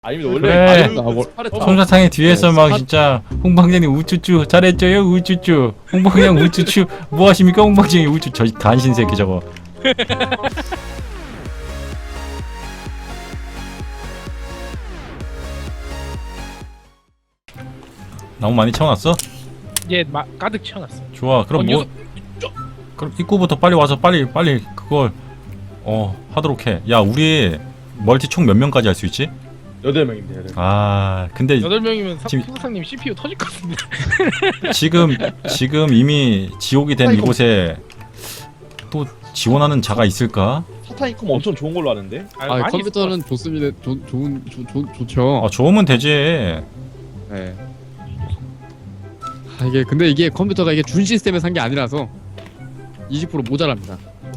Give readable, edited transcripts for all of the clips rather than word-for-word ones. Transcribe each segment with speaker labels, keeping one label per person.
Speaker 1: 아니면 원래
Speaker 2: 그래.
Speaker 1: 스파르타.
Speaker 2: 솜사탕의 뒤에서 막 진짜 홍방장님 우쭈쭈 잘했죠요 우쭈쭈 홍방장 우쭈쭈 뭐하십니까 홍방장이 우쭈 저 간신 새끼 저거. 나무 많이 채워놨어?
Speaker 3: 예, 가득 채워놨어.
Speaker 2: 좋아. 그럼 뭐? 그럼 입구부터 빨리 와서 빨리 그걸 하도록 해. 야 우리 멀티 총 몇 명까지 할 수 있지?
Speaker 1: 8명입니다. 8명.
Speaker 2: 아 근데
Speaker 3: 8명이면
Speaker 2: 지금-
Speaker 3: 소사장님 CPU 터질 것 같은데.
Speaker 2: 지금 이미 지옥이 된 이곳에 또 지원하는 자가 있을까?
Speaker 1: 사타니컴 엄청 좋은 걸로 아는데.
Speaker 3: 많이
Speaker 4: 컴퓨터는 좋습니다. 좋죠.
Speaker 2: 아 좋으면 되지.
Speaker 4: 네. 이게 근데 이게 컴퓨터가 이게 준 시스템에 산 게 아니라서 20% 모자랍니다.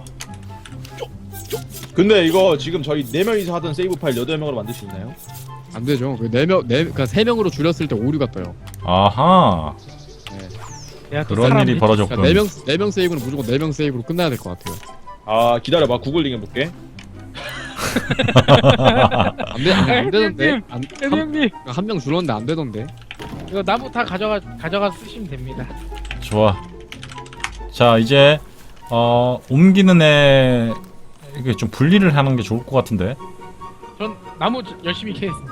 Speaker 1: 근데 이거 지금 저희 4명이서 하던 세이브 파일 8명으로 만들 수 있나요?
Speaker 4: 안 되죠. 그 4명, 그러니까 3명으로 줄였을 때 오류가 떠요.
Speaker 2: 아하
Speaker 3: 내가 또
Speaker 2: 그런
Speaker 3: 사람
Speaker 2: 일이
Speaker 3: 해줄
Speaker 2: 벌어졌군.
Speaker 4: 그러니까 4명 세이브는 무조건 4명 세이브로 끝나야 될 것 같아요.
Speaker 1: 아 기다려봐 구글링 해볼게.
Speaker 4: 안 되던데.
Speaker 3: 형님,
Speaker 4: 한 명 줄었는데 안 되던데.
Speaker 3: 이거 나무 다 가져가 쓰시면 됩니다.
Speaker 2: 좋아. 자 이제 옮기는 애 이게 좀 분리를 하는 게 좋을 것 같은데.
Speaker 3: 전 나무 열심히 캐겠습니다.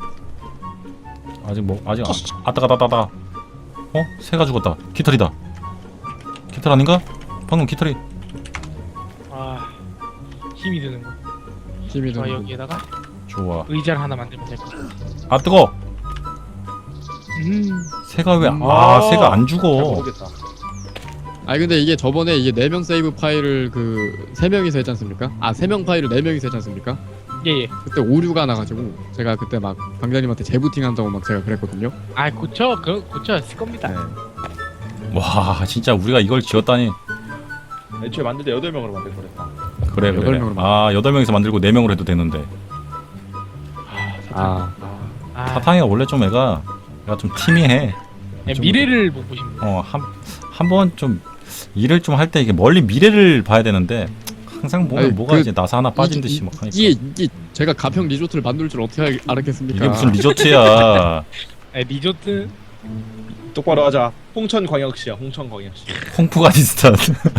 Speaker 2: 아직 아따가다다다. 새가 죽었다. 깃털이다. 깃털 아닌가? 방금 깃털이.
Speaker 3: 아, 힘이 드는 거.
Speaker 4: 힘이
Speaker 3: 저
Speaker 4: 드는.
Speaker 3: 여기에다가
Speaker 2: 좋아.
Speaker 3: 의자를 하나 만들면 될 것 같아.
Speaker 2: 아 뜨거. 새가 왜? 새가 안
Speaker 1: 잘
Speaker 2: 죽어.
Speaker 1: 모르겠다.
Speaker 4: 아니 근데 이게 저번에 이게 4명 세이브 파일을 그 3명이서 했지 않습니까? 3명 파일을 4명이서 했지 않습니까?
Speaker 3: 예.
Speaker 4: 그때 오류가 나가지고 제가 그때 막 방장님한테 재부팅 한다고 막 제가 그랬거든요.
Speaker 3: 아, 고쳤을 겁니다.
Speaker 1: 네.
Speaker 2: 와 진짜 우리가 이걸 지었다니.
Speaker 1: 애초에 만들 때 8명으로 만들 거랬다.
Speaker 2: 그래.
Speaker 4: 8명으로
Speaker 2: 8명이서 만들고 4명으로 해도 되는데.
Speaker 4: 아,
Speaker 3: 아,
Speaker 2: 사탕이가 원래 좀 애가 좀 티미해.
Speaker 3: 예,
Speaker 2: 좀-
Speaker 3: 미래를 못 보십니다.
Speaker 2: 한 번 좀 일을 좀 할 때 이게 멀리 미래를 봐야 되는데 항상 보면
Speaker 4: 아니,
Speaker 2: 뭐가
Speaker 4: 그-
Speaker 2: 이제 나사 하나 빠진 듯이 막 하니까.
Speaker 4: 이게 제가 가평 리조트를 만들 줄 어떻게 알았겠습니까?
Speaker 2: 이게 무슨 리조트야.
Speaker 3: 리조트
Speaker 1: 똑바로 하자. 홍천광역시야. 홍천광역시.
Speaker 2: 홍프가니스탄.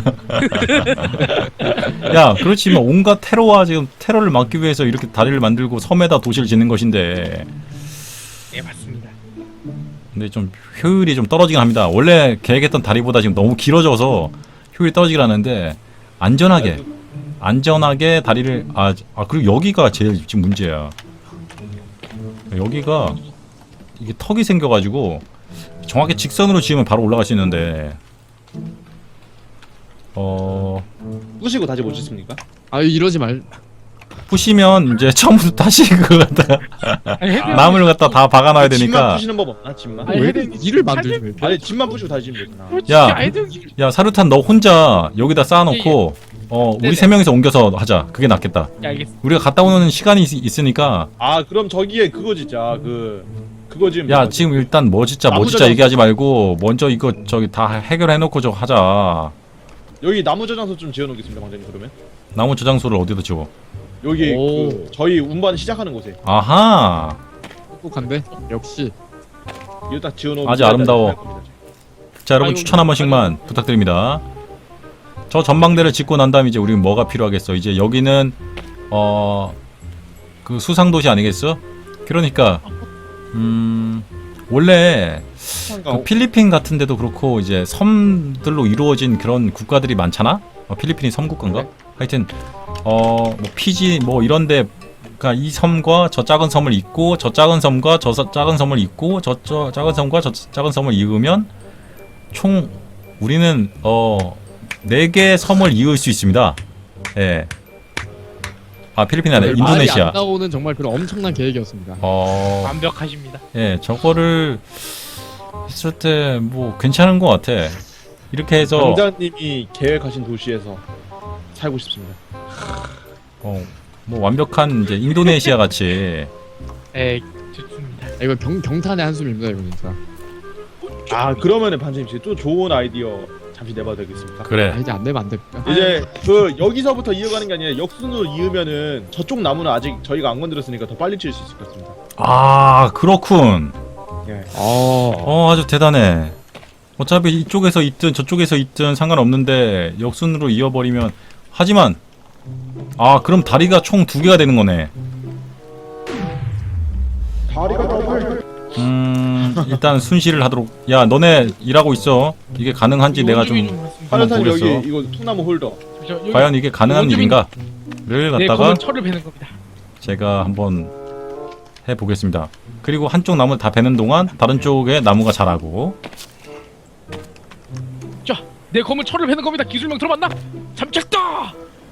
Speaker 2: 야, 그렇지만 온갖 테러와 지금 테러를 막기 위해서 이렇게 다리를 만들고 섬에다 도시를 짓는 것인데,
Speaker 3: 예, 맞습니다.
Speaker 2: 근데 좀 효율이 좀 떨어지긴 합니다. 원래 계획했던 다리보다 지금 너무 길어져서 효율이 떨어지긴 하는데 안전하게 다리를 그리고 여기가 제일 지금 문제야. 여기가 이게 턱이 생겨가지고 정확히 직선으로 지으면 바로 올라갈 수 있는데
Speaker 1: 부시고 다시 못 짓습니까?
Speaker 4: 이러지 말.
Speaker 2: 부시면 이제 처음부터 다시 그거 갖다가 나무를 갖다 다 박아놔야
Speaker 1: 집만
Speaker 2: 되니까.
Speaker 1: 부시는 법 없나? 집만?
Speaker 3: 아니,
Speaker 4: 왜
Speaker 3: 헤드님,
Speaker 4: 일을 만들지 왜?
Speaker 1: 아니 집만 부시고 다시 지면 되잖아.
Speaker 2: 야.
Speaker 3: 아이들
Speaker 2: 야 사루탄 너 혼자 여기다 쌓아놓고 우리
Speaker 3: 네네.
Speaker 2: 3명이서 옮겨서 하자. 그게 낫겠다.
Speaker 3: 예, 알겠습니다.
Speaker 2: 우리가 갔다 오는 시간이 있으니까.
Speaker 1: 그럼 저기에 그거 짓자. 그거 지금
Speaker 2: 야 지금 일단 뭐 짓자
Speaker 1: 나무
Speaker 2: 짓자
Speaker 1: 저장-
Speaker 2: 얘기하지 말고 먼저 이거 저기 다 해결해놓고 저 하자.
Speaker 1: 여기 나무 저장소 좀 지어놓겠습니다, 방장님. 그러면
Speaker 2: 나무 저장소를 어디다 지워?
Speaker 1: 여기
Speaker 4: 오.
Speaker 1: 저희 운반 시작하는 곳에
Speaker 2: 아하.
Speaker 4: 똑똑한데 역시.
Speaker 1: 이거 딱 지어놓으면
Speaker 2: 아주 아름다워.
Speaker 1: 할 겁니다.
Speaker 2: 자 여러분
Speaker 3: 아이고,
Speaker 2: 추천 한 번씩만 부탁드립니다. 저 전망대를 짓고 난 다음 이제 우리는 뭐가 필요하겠어? 이제 여기는 그 수상도시 아니겠어? 그러니까 원래 그 필리핀 같은 데도 그렇고 이제 섬들로 이루어진 그런 국가들이 많잖아? 필리핀이 섬국가인가?
Speaker 4: 네.
Speaker 2: 하여튼 뭐 피지 뭐 이런데 그러니까 이 섬과 저 작은 섬을 잇고 저 작은 섬과 저 작은 섬을 잇고 저 작은 섬과 저 작은 섬을 이으면 총 우리는 4개의 섬을 이을 수 있습니다. 예. 필리핀이 아니라
Speaker 4: 말이
Speaker 2: 인도네시아.
Speaker 4: 안 나오는 정말 그런 엄청난 계획이었습니다.
Speaker 3: 완벽하십니다.
Speaker 2: 예, 저거를 했을 때 뭐 괜찮은 것 같아. 이렇게 해서
Speaker 1: 방장님이 계획하신 도시에서 살고 싶습니다.
Speaker 2: 뭐 완벽한 이제 인도네시아 같이.
Speaker 3: 예, 좋습니다.
Speaker 4: 이거 경탄의 한숨입니다 이거 진짜.
Speaker 1: 그러면은 반장님 지금 또 좋은 아이디어 잠시 내봐도 되겠습니까?
Speaker 4: 아,
Speaker 2: 그래.
Speaker 4: 이제 안 내면 안 됩니까?
Speaker 1: 이제 그 여기서부터 이어가는 게 아니라 역순으로 이으면은 저쪽 나무는 아직 저희가 안 건드렸으니까 더 빨리 칠 수 있을 것 같습니다.
Speaker 2: 아 그렇군.
Speaker 1: 예.
Speaker 2: 아주 대단해. 어차피 이쪽에서 있든 저쪽에서 있든 상관없는데 역순으로 이어버리면 하지만 그럼 다리가 총 2개가 되는 거네.
Speaker 1: 다리가 더블.
Speaker 2: 일단 순시를 하도록. 야 너네 일하고 있어. 이게 가능한지 내가 좀 한번
Speaker 1: 화려탄 여기
Speaker 2: 보겠어.
Speaker 1: 이거 통나무 홀더.
Speaker 2: 과연 이게 가능한
Speaker 3: 원주민-
Speaker 2: 일인가를
Speaker 3: 네,
Speaker 2: 갖다가
Speaker 3: 검은 철을 베는 겁니다.
Speaker 2: 제가 한번 해보겠습니다. 그리고 한쪽 나무 다 베는 동안 다른 쪽에 나무가 자라고.
Speaker 3: 자, 내 검은 철을 베는 겁니다. 기술명 들어봤나? 잠착다.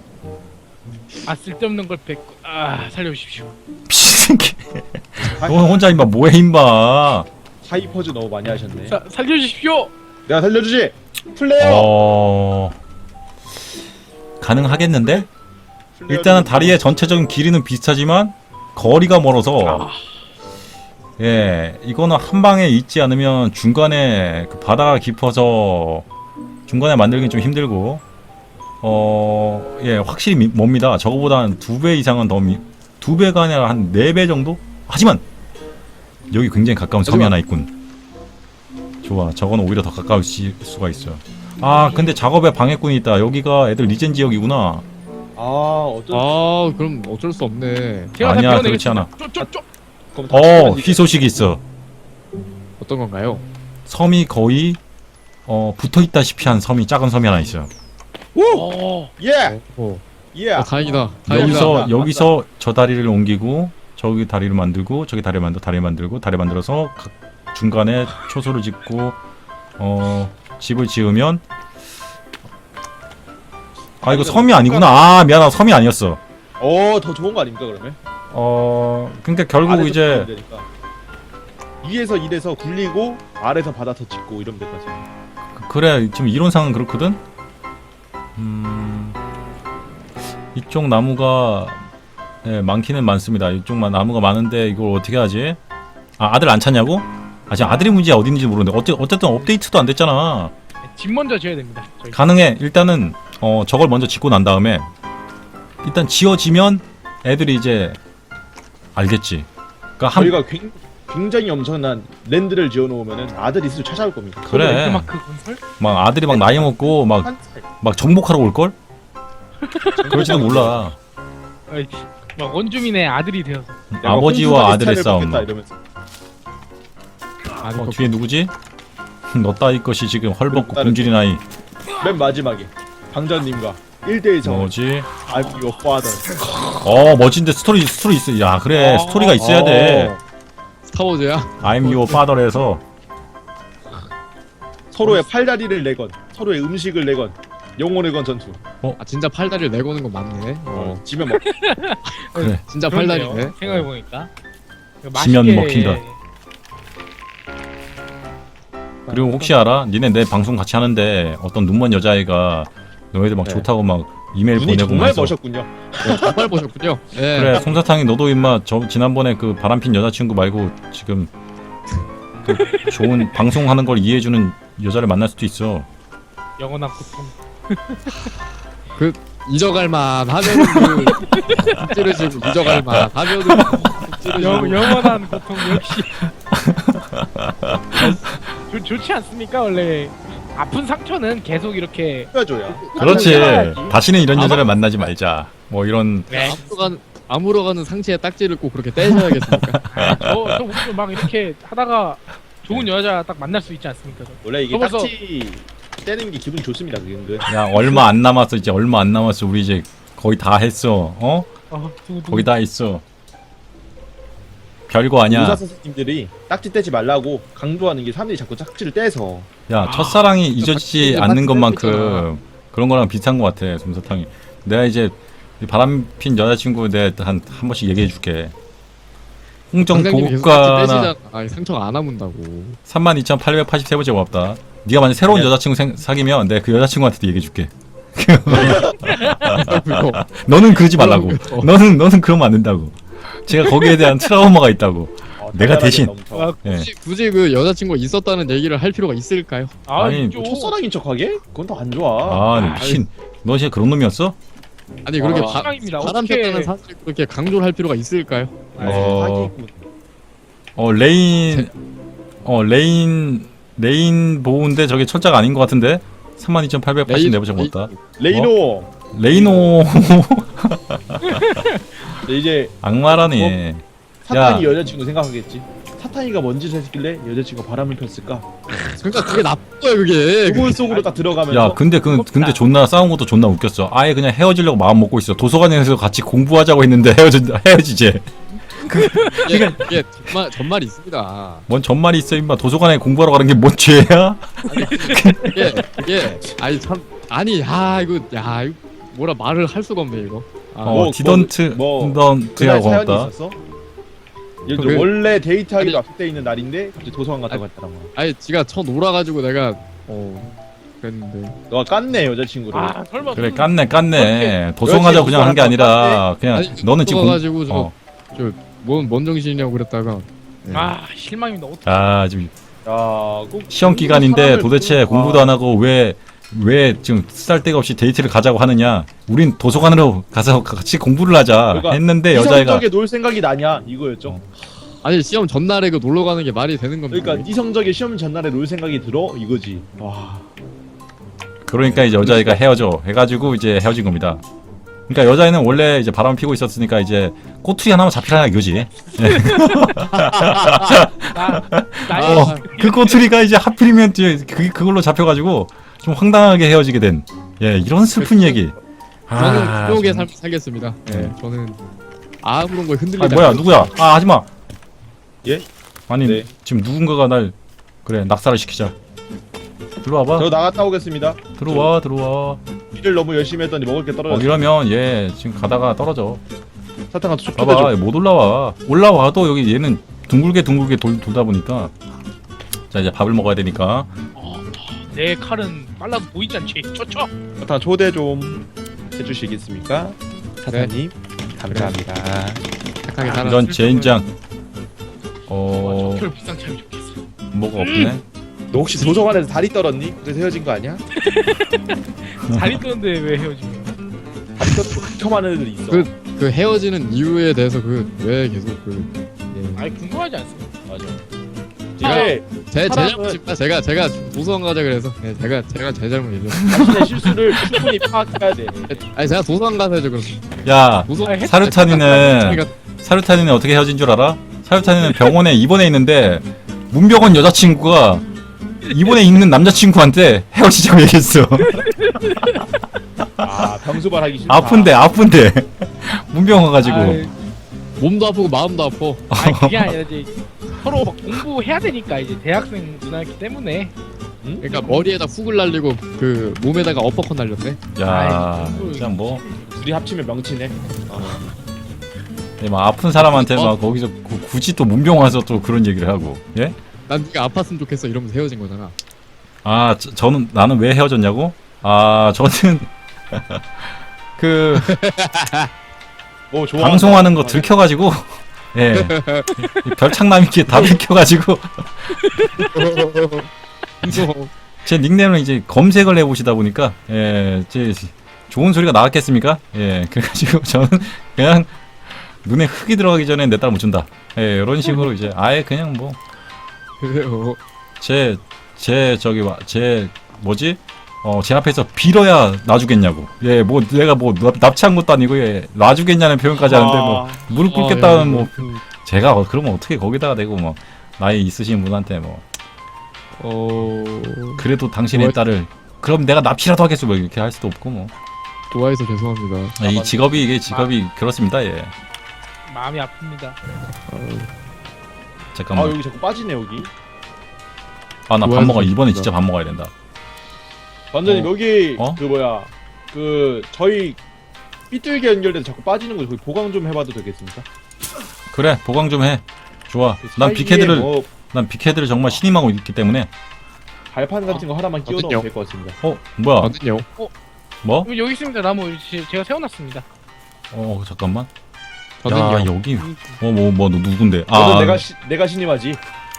Speaker 3: 쓸데없는 걸 뱉고 살려주십시오.
Speaker 2: 미친새끼. 너 혼자 임마 뭐해 임마.
Speaker 1: 하이퍼즈 너무 많이 하셨네.
Speaker 3: 살려주십시오.
Speaker 1: 내가 살려주지. 플레이어.
Speaker 2: 가능하겠는데? 일단은 다리의 전체적인 길이는 비슷하지만 거리가 멀어서 예 이거는 한 방에 있지 않으면 중간에 그 바다가 깊어서 중간에 만들긴 좀 힘들고 예 확실히 멉니다. 저거보다 한 2배 이상은 더 2배가 아니라 한 4배 정도? 하지만 여기 굉장히 가까운 섬이 하나 있군. 좋아 저거는 오히려 더 가까울 수가 있어. 근데 작업에 방해꾼이 있다. 여기가 애들 리젠 지역이구나.
Speaker 1: 어떤.
Speaker 4: 그럼 어쩔 수 없네.
Speaker 3: 제가 다
Speaker 2: 아니야,
Speaker 3: 배워내겠습니다.
Speaker 2: 그렇지 않아.
Speaker 3: 쪼쪼쪼.
Speaker 1: 그럼 다 치워야지.
Speaker 2: 희소식이 있어.
Speaker 4: 어떤 건가요?
Speaker 2: 섬이 거의 붙어있다시피 한 섬이 작은 섬이 하나 있어요.
Speaker 1: 예.
Speaker 4: 오.
Speaker 1: 예.
Speaker 4: 다행이다. 다행이다.
Speaker 2: 여기서 저 다리를 옮기고 저기 다리를 만들고 저기 다리 만들고 다리 만들어서 중간에 초소를 짓고 집을 지으면 이거 섬이 아니구나. 미안하다. 섬이 아니었어.
Speaker 1: 더 좋은 거 아닙니까 그러면?
Speaker 2: 그러니까 결국
Speaker 1: 아래서
Speaker 2: 이제
Speaker 1: 되니까. 위에서 이래서 굴리고 아래서 바다서 짓고 이러면 될 것 같아요.
Speaker 2: 그래 지금 이론상은 그렇거든. 이쪽 나무가 많기는 많습니다. 이쪽 나무가 많은데 이걸 어떻게 하지? 아들 안 찾냐고? 지금 아들이 문제야 어딘지 모르는데 어쨌든 업데이트도 안 됐잖아.
Speaker 3: 집 먼저 지어야 됩니다. 저희.
Speaker 2: 가능해. 일단은 저걸 먼저 짓고 난 다음에 일단 지어지면 애들이 이제 알겠지. 그러니까
Speaker 1: 저희가 굉장히 엄청난 랜드를 지어놓으면은 아들이 스스로 찾아올 겁니다.
Speaker 2: 그래.
Speaker 3: 랜드마크 건설?
Speaker 2: 막 아들이 막 나이 먹고 막 정복하러 올 걸? 그럴지도 몰라.
Speaker 3: 막 원주민의 아들이 되어서.
Speaker 2: 아버지와 아들의 싸움.
Speaker 1: 이러면서.
Speaker 2: 뒤에 누구지? 너 따위 것이 지금 헐벗고
Speaker 1: 다른
Speaker 2: 굶주린 아이.
Speaker 1: 맨 마지막에 방전님과 1대1 정.
Speaker 2: 뭐지?
Speaker 1: I'm your father.
Speaker 2: 멋진데 스토리 있어. 야 그래 스토리가 있어야 돼.
Speaker 4: 스타워즈야?
Speaker 2: I'm your father에서
Speaker 1: 서로의 팔다리를 내건, 서로의 음식을 내건, 영혼을 건 전투.
Speaker 4: 진짜 팔다리를 내고는 건 맞네.
Speaker 1: 지면 먹.
Speaker 2: 그래.
Speaker 4: 진짜 팔다리네.
Speaker 3: 생각해보니까.
Speaker 2: 지면 먹힌다. 그리고 혹시 알아? 니네 내 방송 같이 하는데 어떤 눈먼 여자애가 너희들 막
Speaker 1: 네.
Speaker 2: 좋다고 막 이메일
Speaker 1: 눈이
Speaker 2: 보내고
Speaker 1: 정말
Speaker 2: 해서
Speaker 1: 멋있군요.
Speaker 4: 정말 보셨군요. 예.
Speaker 2: 그래 솜사탕이 너도 임마 지난번에 그 바람핀 여자친구 말고 지금 또 좋은 방송하는 걸 이해해주는 여자를 만날 수도 있어.
Speaker 3: 영원한 고통.
Speaker 4: 잊어갈만 하면은 찌르시고 잊어갈만 하면은 찌르시고.
Speaker 3: 영원한 고통 역시. 좋지 않습니까? 원래 아픈 상처는 계속 이렇게.
Speaker 1: 해줘야.
Speaker 2: 그렇지.
Speaker 3: 해야지.
Speaker 2: 다시는 이런 여자를 만나지 말자. 뭐 이런
Speaker 3: 네.
Speaker 4: 아물어가는 상체에 딱지를 꼭 그렇게 떼셔야겠습니까?
Speaker 3: 저 오늘 막 이렇게 하다가 좋은 여자 딱 만날 수 있지 않습니까?
Speaker 1: 원래 이게
Speaker 3: 접어서-
Speaker 1: 딱지 떼는 게 기분 좋습니다. 그게 은근.
Speaker 2: 야 얼마 안 남았어. 이제 얼마 안 남았어. 우리 이제 거의 다 했어. 거의 다 했어. 별거 아니야.
Speaker 1: 의사 선생님들이 딱지 떼지 말라고 강조하는 게 사람들이 자꾸 딱지를 떼서.
Speaker 2: 야 첫사랑이 잊어지지
Speaker 4: 딱지
Speaker 2: 않는
Speaker 4: 떼고
Speaker 2: 것만큼
Speaker 4: 있잖아.
Speaker 2: 그런 거랑 비슷한 것 같아. 솜사탕이. 내가 이제 이 바람핀 여자친구 내가 한 번씩 얘기해 줄게. 홍정
Speaker 4: 선생님이 계속
Speaker 2: 보급가나
Speaker 4: 딱지 떼시잖아. 상처가 안 아문다고.
Speaker 2: 32,883번째 고맙다. 네가 만약 새로운
Speaker 1: 네.
Speaker 2: 여자친구 사귀면 내가 그 여자친구한테도 얘기해 줄게.
Speaker 4: 그거.
Speaker 2: 너는 그러지 말라고.
Speaker 4: 어.
Speaker 2: 너는 그러면 안 된다고. 제가 거기에 대한 트라우마가 있다고. 내가 대신.
Speaker 3: 아,
Speaker 2: 예.
Speaker 4: 굳이 그 여자친구가 있었다는 얘기를 할 필요가 있을까요?
Speaker 2: 아니,
Speaker 3: 있죠.
Speaker 1: 첫사랑인 척하게? 그건 더 안 좋아.
Speaker 2: 아 미친. 너 진짜 그런 놈이었어?
Speaker 4: 아니 그렇게
Speaker 1: 아,
Speaker 3: 실망입니다.
Speaker 4: 바람
Speaker 3: 어떻게-
Speaker 4: 폈다는 사실을 그렇게 강조를 할 필요가 있을까요?
Speaker 1: 사기꾼.
Speaker 2: 레인 보호인데 저게 철자가 아닌 것 같은데 32,880 내부적 못다.
Speaker 1: 레이노.
Speaker 2: 레이노
Speaker 1: 네, 이제
Speaker 2: 악마라네.
Speaker 1: 사탄이 여자친구 생각하겠지. 사탄이가 뭔 짓을 했길래 여자친구가 바람을 폈을까?
Speaker 4: 그러니까 그게 나쁜 거야 그게.
Speaker 1: 구글 속으로 딱 들어가면서.
Speaker 2: 야 근데 근데 존나 싸운 것도 존나 웃겼어. 아예 그냥 헤어지려고 마음 먹고 있어. 도서관에서 같이 공부하자고 했는데 헤어지지.
Speaker 4: 이게 전말이 있습니다.
Speaker 2: 뭔 전말이 있어 임마. 도서관에 공부하러 가는 게 뭔 죄야?
Speaker 4: 이게 아니 참 아니 이거 뭐라 말을 할 수가 없네 이거.
Speaker 1: 뭐,
Speaker 2: 디던트
Speaker 1: 그날
Speaker 2: 디던트야
Speaker 1: 사연이
Speaker 2: 고맙다.
Speaker 1: 있었어? 예를 들어
Speaker 4: 그-
Speaker 1: 원래 데이트하기로 약속돼 있는 날인데 갑자기 도서관 갔다고 했더라고.
Speaker 4: 아니 지가 쳐 놀아가지고 내가 그랬는데
Speaker 1: 너가 깠네 여자친구를.
Speaker 3: 아 설마
Speaker 2: 그래
Speaker 3: 무슨-
Speaker 2: 깠네. 도서관 가자고 그냥 한 게 아니라 그냥
Speaker 4: 아니
Speaker 2: 너는 지금
Speaker 4: 가지고
Speaker 2: 어.
Speaker 4: 저뭔 정신이냐고 그랬다가
Speaker 3: 아 실망입니다. 어떻게?
Speaker 2: 아 지금
Speaker 1: 야, 꼭
Speaker 2: 시험 기간인데
Speaker 1: 사람을
Speaker 2: 도대체
Speaker 1: 보는-
Speaker 2: 공부도 안 하고 왜 지금 쓸데가 없이 데이트를 가자고 하느냐? 우린 도서관으로 가서 같이 공부를 하자
Speaker 1: 그러니까
Speaker 2: 했는데 여자애가
Speaker 1: 이성적에 놀 생각이 나냐 이거였죠.
Speaker 4: 아니 시험 전날에 그 놀러 가는 게 말이 되는 겁니까?
Speaker 1: 그러니까 이성적에 시험 전날에 놀 생각이 들어 이거지. 와.
Speaker 2: 그러니까 이제 여자애가 헤어져 해가지고 이제 헤어진 겁니다. 그러니까 여자애는 원래 이제 바람 피고 있었으니까 이제 꼬투리 하나만 잡히라 이거지.
Speaker 3: 나의
Speaker 2: 그 꼬투리가 이제 하필이면 이제 그걸로 잡혀가지고 좀 황당하게 헤어지게 된 이런 슬픈 얘기.
Speaker 4: 저는 부족의
Speaker 2: 좀-
Speaker 4: 삶을 살겠습니다. 저는 아무런 거에 흔들리지
Speaker 2: 아니 뭐야
Speaker 4: 않고
Speaker 2: 누구야? 아 하지마.
Speaker 1: 예?
Speaker 2: 아니
Speaker 1: 네.
Speaker 2: 지금 누군가가 날 그래 낙사를 시키자. 들어와봐.
Speaker 1: 저 나갔다 오겠습니다.
Speaker 2: 들어와.
Speaker 1: 일을 너무 열심히 했더니 먹을 게 떨어졌어.
Speaker 2: 이러면 얘 지금 가다가 떨어져.
Speaker 1: 사탕아 쭉
Speaker 2: 봐봐
Speaker 1: 뜯어줘.
Speaker 2: 못 올라와도 여기 얘는 둥글게 돌다 보니까 자 이제 밥을 먹어야 되니까
Speaker 3: 내 칼은 빨라도 보이지 않지. 쳐쳐.
Speaker 1: 사탕 초대 좀 해주시겠습니까? 사장님 감사합니다.
Speaker 4: 착하게 살아.
Speaker 2: 이런 젠장
Speaker 3: 별 비상 차이 좋겠어.
Speaker 2: 뭐가 없네.
Speaker 1: 너 혹시 도서관에서 다리 떨었니? 그래서 헤어진 거 아니야?
Speaker 3: 다리 뜨는데 왜 헤어지면?
Speaker 1: 다리 켜만 애들 있어.
Speaker 4: 그 헤어지는 이유에 대해서 왜 계속
Speaker 3: 아니 궁금하지 않습니다.
Speaker 1: 맞아.
Speaker 3: 네.
Speaker 1: 이게
Speaker 4: 제
Speaker 1: 사람은-
Speaker 4: 잘못입니다. 제가 도서관 가자 그래서 제가 제 잘못이죠.
Speaker 1: 자신의 실수를 충분히 파악해야 돼.
Speaker 4: 아니 제가 도서관 가서 해죠 그럼.
Speaker 2: 야
Speaker 4: 도서관
Speaker 2: 사르탄이는 어떻게 헤어진 줄 알아? 사르탄이는 병원에 입원해 있는데 문병원 여자친구가 입원해 있는 남자친구한테 헤어지자고 얘기했어.
Speaker 1: 아 병수발하기 싫다.
Speaker 2: 아픈데 문병원 가지고
Speaker 3: 아이,
Speaker 4: 몸도 아프고 마음도 아파.
Speaker 3: 아니 그게 아니라 이제 서로 막 공부해야 되니까 이제 대학생 누나였기 때문에.
Speaker 1: 응?
Speaker 4: 그러니까 머리에다 훅을 날리고 그 몸에다가 어퍼컷 날렸네.
Speaker 2: 야
Speaker 3: 아이,
Speaker 2: 그냥 뭐
Speaker 1: 둘이 합치면 명치네.
Speaker 2: 막 아픈 사람한테 막 거기서 굳이 또 문병원 와서 또 그런 얘기를 하고 예?
Speaker 4: 난 네가 아팠으면 좋겠어 이러면서 헤어진 거잖아.
Speaker 2: 아 나는 왜 헤어졌냐고? 아 저는 그
Speaker 1: 오 좋아.
Speaker 2: 방송하는 거 들켜가지고 예 별창남 있게 다 들켜가지고 제 닉네임을 이제 검색을 해보시다 보니까 제 좋은 소리가 나왔겠습니까? 그래가지고 저는 그냥 눈에 흙이 들어가기 전에 내 딸 못 준다. 이런 식으로 이제 아예 그냥 뭐 제 뭐지? 제 앞에서 빌어야 놔주겠냐고. 뭐 내가 뭐 납치한 것도 아니고 놔주겠냐는 표현까지 하는데 뭐 무릎 꿇겠다는 뭐 제가 그러면 어떻게 거기다가 대고 뭐 나이 있으신 분한테 뭐 그래도 당신의 딸을 그럼 내가 납치라도 하겠어 뭐 이렇게 할 수도 없고 뭐
Speaker 4: 좋아해서 죄송합니다.
Speaker 2: 이 직업이 그렇습니다. 예.
Speaker 3: 마음이 아픕니다.
Speaker 1: 아
Speaker 2: 잠깐만.
Speaker 1: 여기 자꾸 빠지네 여기.
Speaker 2: 아 나 밥
Speaker 4: 좋아해서
Speaker 2: 먹어. 이번에
Speaker 4: 좋습니다.
Speaker 2: 진짜 밥 먹어야 된다.
Speaker 1: 완전히 여기
Speaker 2: 어?
Speaker 1: 그 뭐야 그 저희 삐뚤게 연결돼서 자꾸 빠지는 거 거기 보강 좀 해봐도 되겠습니까?
Speaker 2: 그래 보강 좀 해. 좋아.
Speaker 1: 그
Speaker 2: 난
Speaker 1: 사이에
Speaker 2: 빅헤드를
Speaker 1: 뭐
Speaker 2: 빅헤드를 정말 신임하고 있기 때문에.
Speaker 1: 발판 같은 거 하나만 끼워넣으면
Speaker 4: 어딨냐?
Speaker 1: 될 것 같습니다.
Speaker 2: 뭐야?
Speaker 4: 저는요.
Speaker 2: 뭐?
Speaker 3: 여기 있습니다. 나무 제가 세워놨습니다.
Speaker 2: 잠깐만.
Speaker 4: 저는요.
Speaker 2: 여기 너 누군데?
Speaker 1: 너는
Speaker 2: 아,
Speaker 1: 내가 신임하지.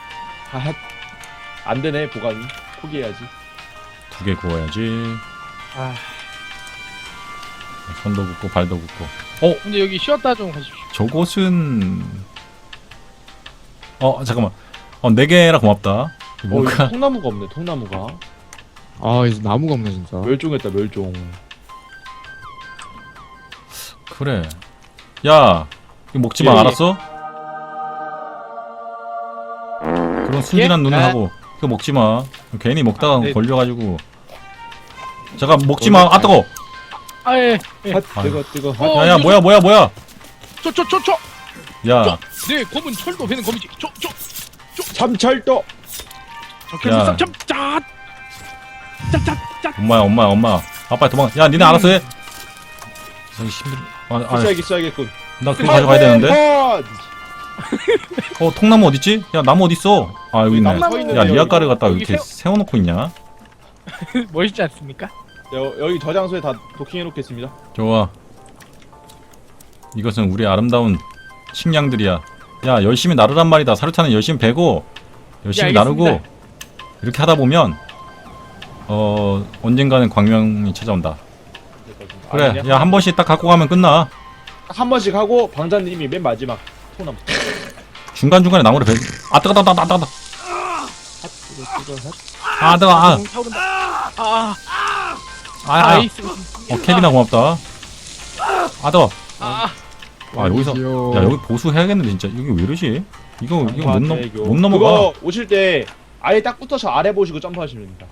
Speaker 1: 안 되네 보관이. 포기해야지.
Speaker 2: 2개 구워야지.
Speaker 3: 아
Speaker 2: 손도 굽고 발도 굽고.
Speaker 3: 근데 여기 쉬었다 좀 가십시오.
Speaker 2: 저곳은 잠깐만. 4개라 고맙다. 뭔가
Speaker 1: 통나무가 없네. 통나무가.
Speaker 4: 아 이제 나무가 없네 진짜.
Speaker 1: 멸종했다 멸종.
Speaker 2: 그래. 야, 이거 먹지 마.
Speaker 1: 예, 예.
Speaker 2: 알았어? 그런 순진한
Speaker 3: 예?
Speaker 2: 눈을
Speaker 3: 아.
Speaker 2: 하고 그거 먹지 마. 괜히 먹다가
Speaker 1: 네.
Speaker 2: 걸려가지고. 잠깐 먹지 마. 아 뜨거.
Speaker 3: 아예
Speaker 1: 뜨거.
Speaker 2: 야야 뭐야.
Speaker 3: 쪼쪼쪼쪼
Speaker 2: 야,
Speaker 3: 네 검은 철도 배는 검이지.
Speaker 1: 참철도.
Speaker 3: 적혈수상 짬짜 짜짜짜.
Speaker 2: 엄마야. 아빠 도망. 야, 니네 알아서 해. 저기 힘들.
Speaker 1: 써야겠군.
Speaker 2: 나 그거 가져가야 되는데.
Speaker 1: 네.
Speaker 2: 통나무 어딨지? 야, 나무 어딨어? 아, 여기 있네.
Speaker 1: 나무 서 있는데,
Speaker 2: 야,
Speaker 1: 여기.
Speaker 2: 리아카를 갖다가
Speaker 3: 여기
Speaker 2: 이렇게 세워놓고 있냐?
Speaker 3: 멋있지 않습니까?
Speaker 1: 여기 저 장소에 다 도킹해 놓겠습니다.
Speaker 2: 좋아. 이것은 우리 아름다운 식량들이야. 야, 열심히 나르란 말이다. 사료타는 열심히 베고 열심히
Speaker 3: 예, 알겠습니다.
Speaker 2: 나르고 이렇게 하다 보면 언젠가는 광명이 찾아온다. 그래. 야, 한 번씩 딱 갖고 가면 끝나.
Speaker 1: 한 번씩 하고 방자님이 맨 마지막 통나무.
Speaker 2: 중간중간에 나무를 베. 아, 뜨거. 아, 뜨거.
Speaker 3: 타오른다. 아
Speaker 2: 아이스. 케빈아 고맙다. 아, 뜨거.
Speaker 3: 아.
Speaker 2: 여기서
Speaker 4: 어디지요?
Speaker 2: 야, 여기 보수해야겠는데 진짜. 여기 왜 이러지? 이거 못 넘어가.
Speaker 1: 그거 오실 때 아예 딱 붙어서 아래 보시고 점프하시면 됩니다.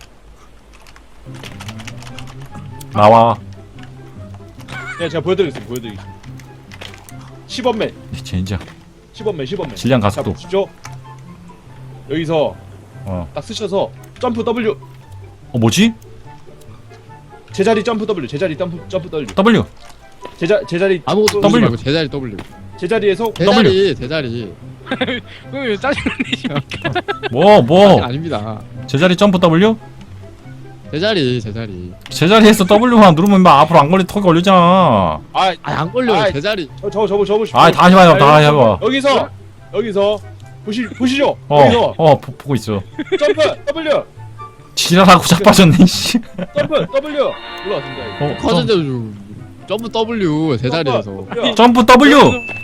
Speaker 2: 나와.
Speaker 1: 네, 제가 보여드리겠습니다. 10원맨,
Speaker 2: 진짜
Speaker 1: 10원맨.
Speaker 2: 질량
Speaker 1: 자,
Speaker 2: 가속도.
Speaker 1: 보십시오. 여기서 딱 쓰셔서 점프 W,
Speaker 2: 뭐지?
Speaker 1: 제자리 점프 W, 제자리 점프 W,
Speaker 2: W.
Speaker 1: 제자리
Speaker 4: 아무것도
Speaker 2: W.
Speaker 4: W 말고 제자리 W.
Speaker 1: 제자리에서
Speaker 4: 제자리.
Speaker 3: 왜 짜증 내십니까?
Speaker 2: 뭐
Speaker 4: 아닙니다.
Speaker 2: 제자리 점프 W?
Speaker 4: 제자리.
Speaker 2: 제자리에서 W만 누르면 막 앞으로 안 걸리 턱이 걸리잖아.
Speaker 4: 안 걸려요.
Speaker 1: 아이,
Speaker 4: 제자리.
Speaker 1: 저보십시오.
Speaker 2: 다시 봐요. 다시 해봐.
Speaker 1: 여기서 보시죠. 여기서
Speaker 2: 보고 있어.
Speaker 1: 점프 W,
Speaker 2: 지랄하고 자빠졌네 씨.
Speaker 1: 점프 W 눌러줍니다.
Speaker 4: 커진대로 점프 W 제자리에서.
Speaker 2: 점프 W.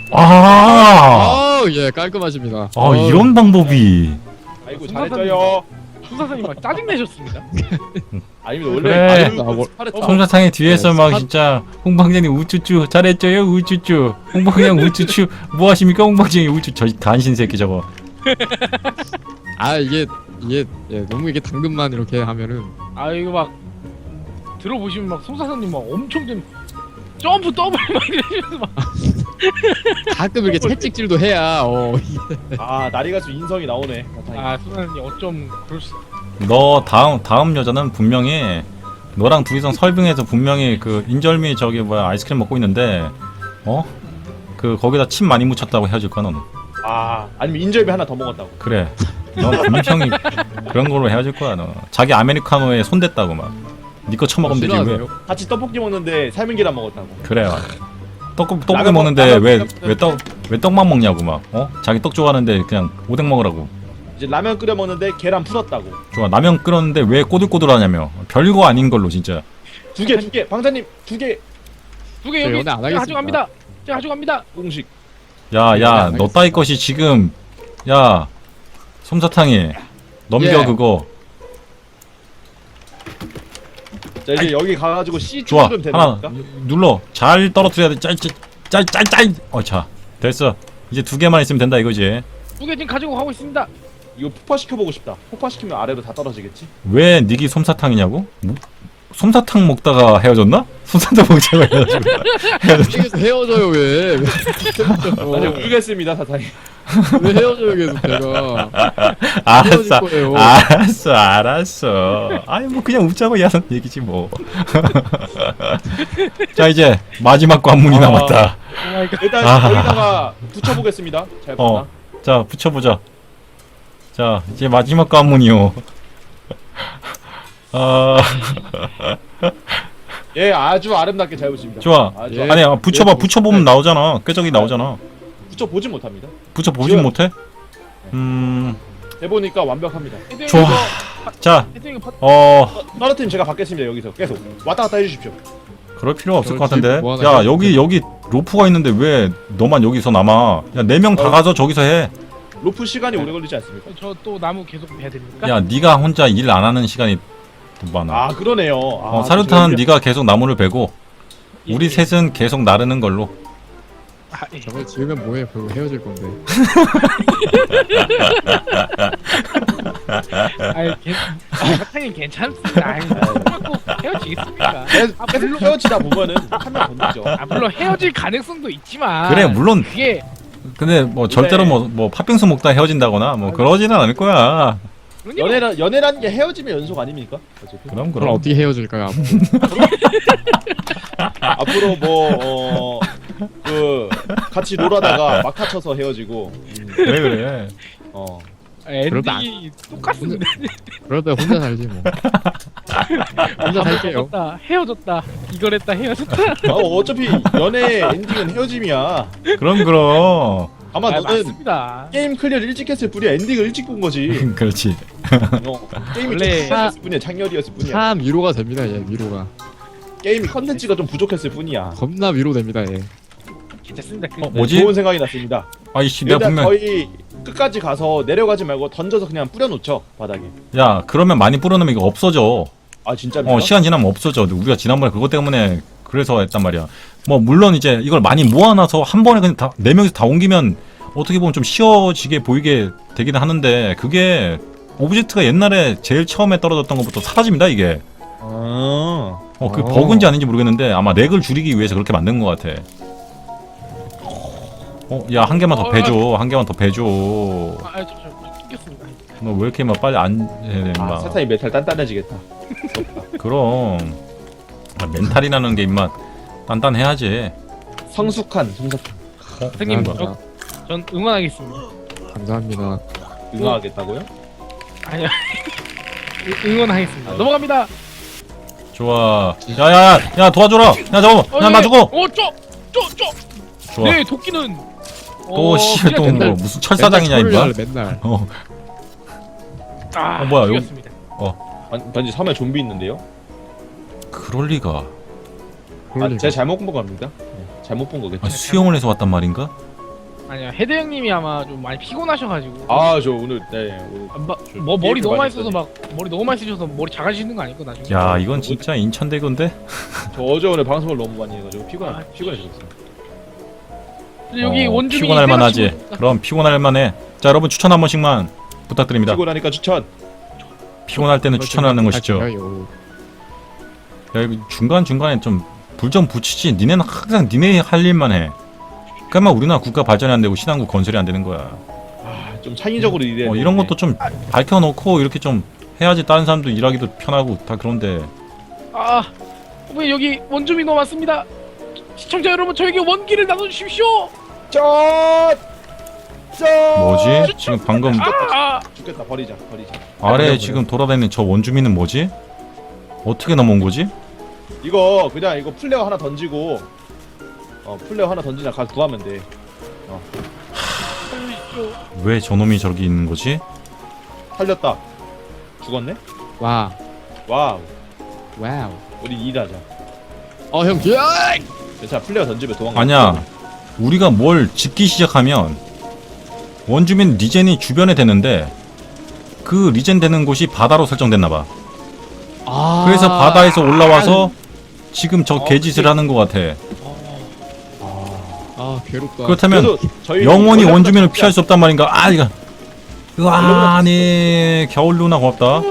Speaker 4: 예 깔끔하십니다.
Speaker 2: 이런 방법이.
Speaker 1: 아이고 잘했어요.
Speaker 3: 수사선님 막 짜증 내셨습니다.
Speaker 1: 아닙니다.
Speaker 2: 그래.
Speaker 1: 원래
Speaker 2: 솜사탕의 뒤에서 막 진짜 홍방장님 우쭈쭈 잘했죠요 우쭈쭈. 홍방장 우쭈쭈 뭐 하십니까 홍방장이 우쭈. 저 간신 새끼 저거.
Speaker 4: 이게 너무 이게 당근만 이렇게 하면은
Speaker 3: 이거 막 들어보시면 막 송사선님 막 엄청 좀 점프 더블 막 이러시면서 막
Speaker 4: 가끔 이렇게 채찍질도 해야
Speaker 1: 날이 갈수록 인성이 나오네.
Speaker 3: 수사선님 어쩜 그럴 수.
Speaker 2: 너 다음 여자는 분명히 너랑 둘이서 설빙해서 분명히 그 인절미 저기 뭐야 아이스크림 먹고 있는데 그 거기다 침 많이 묻혔다고 헤어질 거야 너는.
Speaker 1: 아니면 인절미 하나 더 먹었다고.
Speaker 2: 그래. 넌 분명히 그런 걸로 헤어질 거야 너. 자기 아메리카노에 손댔다고 막. 니 거 처먹으면 되지 왜?
Speaker 4: 싫어하세요?
Speaker 1: 같이 떡볶이 먹는데 삶은 계란 먹었다고.
Speaker 2: 그래. 떡볶이
Speaker 1: 라면
Speaker 2: 먹는데
Speaker 1: 라면
Speaker 2: 왜 떡만 먹냐고 막. 자기 떡 좋아하는데 그냥 오뎅 먹으라고.
Speaker 1: 이제 라면 끓여 먹는데 계란 풀었다고.
Speaker 2: 좋아. 라면 끓였는데 왜 꼬들꼬들하냐며. 별거 아닌 걸로 진짜.
Speaker 1: 두 개. 방자님 2개.
Speaker 3: 두 개 여기
Speaker 4: 연애 안
Speaker 3: 제가
Speaker 4: 하겠습니다.
Speaker 3: 가져갑니다. 제가 가져갑니다.
Speaker 1: 공식.
Speaker 2: 야, 너 따위 것이 지금 야 솜사탕이 넘겨
Speaker 4: 예.
Speaker 2: 그거.
Speaker 1: 자 이제 여기 가가지고 C
Speaker 2: 좋아.
Speaker 1: 누르면 되는
Speaker 2: 하나
Speaker 1: 겁니까?
Speaker 2: 눌러. 잘 떨어뜨려야 돼. 짤. 자 됐어. 이제 2개만 있으면 된다 이거지.
Speaker 3: 두 개 지금 가지고 가고 있습니다.
Speaker 1: 이거 폭파시켜보고 싶다. 폭파시키면 아래로 다 떨어지겠지?
Speaker 2: 왜 닉이 솜사탕이냐고? 뭐? 솜사탕 먹다가 헤어졌나? 솜사탕 먹다가 헤어졌나?
Speaker 4: 계속 헤어져요 왜?
Speaker 1: 아니 모르겠습니다 사장님.
Speaker 4: 왜 헤어져요 계속 제가?
Speaker 2: 알았어.
Speaker 4: 헤어질 거예요.
Speaker 2: 알았어. 아니 뭐 그냥 웃자고 야는 얘기지 뭐. 자 이제 마지막 관문이 남았다.
Speaker 1: 일단
Speaker 2: 아하.
Speaker 1: 여기다가 붙여보겠습니다. 잘 봤나?
Speaker 2: 자 붙여보자. 자 이제 마지막 관문이요.
Speaker 1: 예, 아주 아름답게 잘 붙입니다.
Speaker 2: 좋아.
Speaker 1: 아주
Speaker 4: 예.
Speaker 2: 아니 붙여봐. 붙여보면 나오잖아. 꾀적이 나오잖아.
Speaker 1: 붙여 보진 못합니다.
Speaker 2: 붙여보진
Speaker 1: 지금-
Speaker 2: 못해?
Speaker 1: 해보니까 완벽합니다.
Speaker 2: 좋아. 자,
Speaker 3: 헤딩이 퍼.
Speaker 1: 떨어뜨림 제가 받겠습니다. 여기서 계속 왔다 갔다 해주십시오.
Speaker 2: 그럴 필요 없을 것
Speaker 4: 지금
Speaker 2: 같은데.
Speaker 4: 뭐 하나
Speaker 2: 야,
Speaker 4: 해야
Speaker 2: 여기 로프가 있는데 왜 너만 여기서 남아? 야, 4명 다
Speaker 1: 어.
Speaker 2: 가서 저기서 해.
Speaker 1: 로프 시간이 오래 걸리지 않습니까?
Speaker 3: 저 또 나무 계속 베야 됩니까?
Speaker 2: 야, 네가 혼자 일 안 하는 시간이 더 많아.
Speaker 1: 아 그러네요.
Speaker 2: 사료탄 네가 계속 나무를 베고
Speaker 3: 예,
Speaker 2: 우리
Speaker 3: 예.
Speaker 2: 셋은 계속 나르는 걸로.
Speaker 3: 아, 예.
Speaker 4: 저걸 지으면 뭐해? 결국 헤어질 건데.
Speaker 3: 아이 사장님 괜찮습니다. 아이 꼭 헤어지겠습니까?
Speaker 1: 계속 헤어지다 보면은 한명 건드죠.
Speaker 3: 아 물론 헤어질 가능성도 있지만
Speaker 2: 그래, 물론.
Speaker 3: 그게
Speaker 2: 근데 뭐 절대로 뭐 팥빙수 먹다 헤어진다거나 뭐 그러지는 않을 거야.
Speaker 3: 그럼요.
Speaker 1: 연애라는 게 헤어짐의 연속 아닙니까? 어차피.
Speaker 2: 그럼
Speaker 4: 그럼 어떻게 헤어질까요?
Speaker 1: 앞으로 그 같이 놀아다가 막 다쳐서 헤어지고.
Speaker 2: 그래.
Speaker 3: 엔딩이 똑같습니다.
Speaker 4: 그럴 때 혼자 살지 뭐. 혼자 살게요.
Speaker 3: 헤어졌다. 이걸 했다. 헤어졌다.
Speaker 1: 어차피 연애 엔딩은 헤어짐이야.
Speaker 2: 그럼.
Speaker 1: 아마 너는
Speaker 3: 맞습니다.
Speaker 1: 게임 클리어를 일찍 했을 뿐이야. 엔딩을 일찍 본 거지.
Speaker 2: 그렇지.
Speaker 1: 게임이
Speaker 3: 원래-
Speaker 1: 좀 창렬했을 뿐이야. 창렬이었을 뿐이야.
Speaker 4: 참 위로가 됩니다. 얘 위로가.
Speaker 1: 게임이 컨텐츠가 좀 부족했을 뿐이야.
Speaker 4: 겁나 위로됩니다. 얘.
Speaker 3: 괜찮습니다.
Speaker 2: 뭐지?
Speaker 1: 좋은 생각이 났습니다.
Speaker 2: 아이씨, 내가
Speaker 1: 일단
Speaker 2: 분명
Speaker 1: 저희 끝까지 가서 내려가지 말고 던져서 그냥 뿌려놓죠 바닥에.
Speaker 2: 야, 그러면 많이 뿌려놓으면 이거 없어져.
Speaker 1: 아 진짜입니까?
Speaker 2: 시간 지나면 없어져. 우리가 지난번에 그것 때문에 그래서 했단 말이야. 뭐 물론 이제 이걸 많이 모아놔서 한 번에 그냥 다 4명이서 다 옮기면 어떻게 보면 좀 쉬워지게 보이게 되기는 하는데 그게 오브젝트가 옛날에 제일 처음에 떨어졌던 것부터 사라집니다 이게. 그 버그인지 아닌지 모르겠는데 아마 렉을 줄이기 위해서 그렇게 만든 것 같아. 야, 한 개만 더 배줘. 한 개만 더 배줘.
Speaker 3: 저 튕겼습니다.
Speaker 2: 너 왜 이렇게 막 빨리 안 해, 임마.
Speaker 1: 사탄이 메탈 단단해지겠다.
Speaker 2: 그럼 멘탈이라는 게 임마 단단해야지.
Speaker 1: 성숙한.
Speaker 3: 선생님,
Speaker 4: 감사합니다.
Speaker 3: 전 응원하겠습니다.
Speaker 4: 감사합니다.
Speaker 1: 응하겠다고요?
Speaker 3: 아니요. 응원하겠습니다. 넘어갑니다.
Speaker 2: 좋아. 야 도와줘라. 야 잠깐만. 야 나 죽어. 좋아.
Speaker 3: 네, 도끼는
Speaker 2: 또 씨발 또
Speaker 3: 맨날-
Speaker 2: 뭐 무슨 철사장이냐 임마.
Speaker 4: 맨날.
Speaker 2: 뭐야, 여기-
Speaker 3: 죽였습니다.
Speaker 1: 반지 섬에 좀비 있는데요?
Speaker 2: 그럴 리가.
Speaker 4: 그럴 리가.
Speaker 1: 제가 잘못 본 겁니다. 잘못 본 거겠죠?
Speaker 2: 수영을 해서 왔단 말인가?
Speaker 3: 아니야, 헤드 형님이 아마 좀 많이 피곤하셔가지고.
Speaker 1: 저 오늘 오늘
Speaker 3: 뭐 머리 너무 많이
Speaker 1: 많이
Speaker 3: 써서 막 머리 너무 많이 쓰셔서 머리 작아지는 거 아닐까 나중에.
Speaker 2: 야 이건 진짜 인천대교인데.
Speaker 1: 저 어제 오늘 방송을 너무 많이 해가지고
Speaker 3: 아,
Speaker 1: 피곤해졌어요.
Speaker 3: 근데 여기 원주민이
Speaker 2: 피곤할 만하지.
Speaker 3: 세가지고
Speaker 2: 그럼 피곤할 만해. 자 여러분 추천 한 번씩만 부탁드립니다.
Speaker 1: 피곤하니까 추천.
Speaker 2: 피곤할 때는 추천하는 것이죠.
Speaker 4: 할게요.
Speaker 2: 야 이거 중간 중간에 좀 불 좀 붙이지. 니네는 항상 니네 할 일만 해. 그러면 우리나라 국가 발전이 안 되고 신한국 건설이 안 되는 거야.
Speaker 1: 좀 창의적으로 일해.
Speaker 2: 이런 것도 좀 밝혀놓고 이렇게 좀 해야지 다른 사람도 일하기도 편하고 다 그런데.
Speaker 3: 왜 여기 원주민 너무 많습니다. 시청자 여러분 저에게 원기를 나눠주십시오.
Speaker 2: 뭐지? 지금 방금
Speaker 1: 죽겠다. 버리자.
Speaker 2: 아래에 지금 돌아다니는 저 원주민은 뭐지? 어떻게 넘어온 거지?
Speaker 1: 이거 그냥 이거 플레어 하나 던지고 플레어 하나 던지자 가서 구하면 돼.
Speaker 3: 살려주십시오.
Speaker 2: 왜 저놈이 저기 있는 거지?
Speaker 1: 살렸다. 죽었네?
Speaker 4: 와.
Speaker 1: 와우.
Speaker 4: 와우.
Speaker 1: 우리 일하자.
Speaker 4: 형 뒤에.
Speaker 1: 자 플레어 던지면 도망가.
Speaker 2: 아니야. 우리가 뭘 짓기 시작하면 원주민 리젠이 주변에 되는데 그 리젠 되는 곳이 바다로 설정됐나봐. 그래서 바다에서 올라와서 지금 저 개짓을 하는 것 같아.
Speaker 4: 괴롭다.
Speaker 2: 그렇다면
Speaker 1: 그래도 저희
Speaker 2: 영원히
Speaker 1: 원래
Speaker 2: 원주민을
Speaker 1: 같지
Speaker 2: 피할 수 없단 말인가? 아니 겨울 누나 고맙다.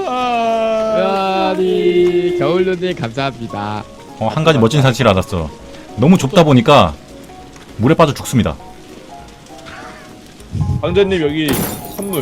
Speaker 4: 아니 겨울눈님 감사합니다.
Speaker 2: 한 가지 멋진 사실을 알았어. 너무 좁다 보니까 물에 빠져 죽습니다.
Speaker 1: 강재님 여기 선물.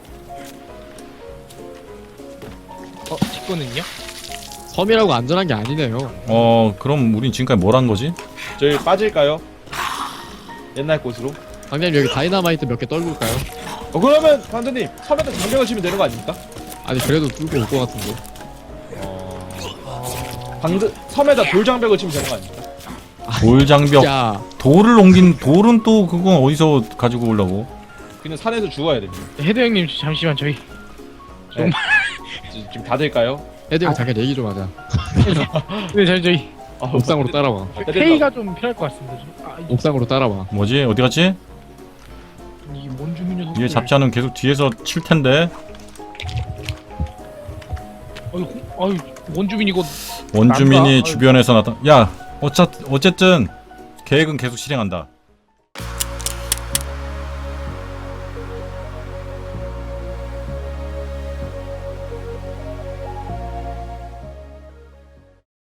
Speaker 3: 제 거는요?
Speaker 4: 섬이라고 안전한 게 아니네요.
Speaker 2: 그럼 우린 지금까지 뭘 한 거지?
Speaker 1: 저희 빠질까요? 옛날 곳으로?
Speaker 4: 강님 여기 다이너마이트 몇 개 떨굴까요?
Speaker 1: 그러면 강재님 섬에다 장벽을 치면 되는 거 아닙니까?
Speaker 4: 아니 그래도 뚫고 올 것 같은데.
Speaker 1: 방금 섬에다 돌장벽을 치면 되는 거 아닙니까?
Speaker 2: 돌장벽.
Speaker 4: 야,
Speaker 2: 돌을 옮긴 돌은 또 그건 어디서 가지고 오려고?
Speaker 1: 그냥 산에서 죽어야 됩니다.
Speaker 3: 헤드 형님 잠시만 저희
Speaker 1: 지금 다 될까요?
Speaker 4: 헤드 형 잠깐 얘기 좀 하자.
Speaker 3: 네 저희
Speaker 4: 옥상으로 따라와.
Speaker 3: 회의가 좀 필요할 것 같습니다.
Speaker 4: 옥상으로 따라와.
Speaker 2: 뭐지? 어디 갔지?
Speaker 3: 이 원주민 녀석.
Speaker 2: 얘 잡지 않으면 계속 뒤에서 칠 텐데.
Speaker 3: 아유 원주민 이거
Speaker 2: 원주민이
Speaker 3: 난가?
Speaker 2: 주변에서 나타. 야, 어쨌든 계획은 계속 실행한다.